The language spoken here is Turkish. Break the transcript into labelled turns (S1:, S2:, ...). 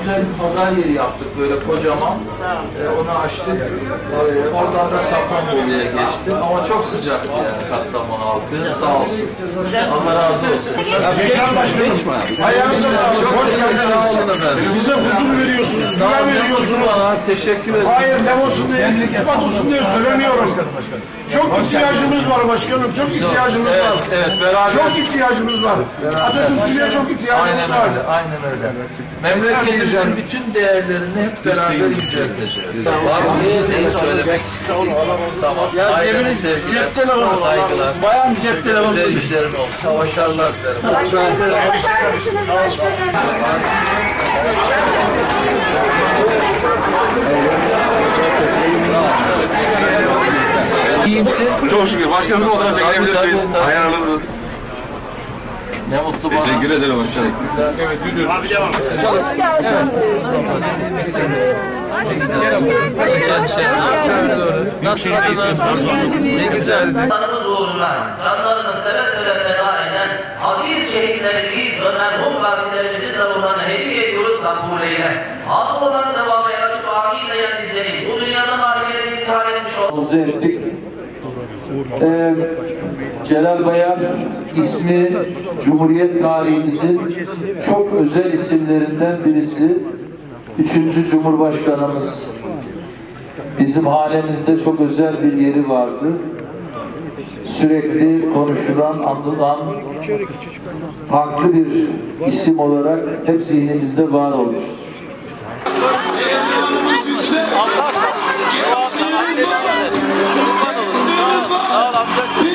S1: güzel bir pazar yeri yaptık böyle kocaman. Onu açtık. Oradan da Safranbolu'ya geçtim. Ama çok sıcaktı yani Kastamonu halkı. Sağ olsun. Allah razı olsun.
S2: Ayağınıza sağlık.
S1: Çok sağ olun efendim.
S2: Bize huzur veriyorsunuz, güven veriyorsunuz.
S1: Teşekkür ederim.
S2: Hayır, ne olsun diye, iltifat olsun diye söylemiyorum. Çok ihtiyacımız var başkanım, çok ihtiyacımız var.
S1: Evet, beraber.
S2: Çok ihtiyacımız var. Atatürkçülüğe çok ihtiyacımız var.
S1: Aynen öyle. Memleketimizin bütün değerlerini hep beraber yücelteceğiz. Var mı? İsteği söylemek istiyorum. Tamam. Ailemin sevgiler, saygılar.
S2: Bayan cep telefonu.
S1: Güzel işlerin olsun. Başarılar dilerim. İyiyim siz?
S3: Çok şükür. Başkanım olarak çekilebilir miyiz? Ayarınızız.
S1: Ne mutlu bana.
S3: Teşekkür ederim başkanım.
S2: Evet, müdür. Abi devam.
S1: Nasılsınız? Ne güzel.
S4: Vatanımız uğruna canlarını seve seve feda eden aziz şehitlerimiz ve merhum gazilerimizin de ruhlarına hediye ediyoruz, kabul eyle. Hasıl olan sevaba yaraşıp amin diyen bizleri bu dünyadan ahirete imtihan etmiş olan
S5: ettik. Celal Bayar ismi Cumhuriyet tarihimizin çok özel isimlerinden birisi. 3. Cumhurbaşkanımız. Bizim hanemizde çok özel bir yeri vardı. Sürekli konuşulan, anılan farklı bir isim olarak hep zihnimizde var olmuştur.
S1: Allah korusun. Sağ ol amcacığım.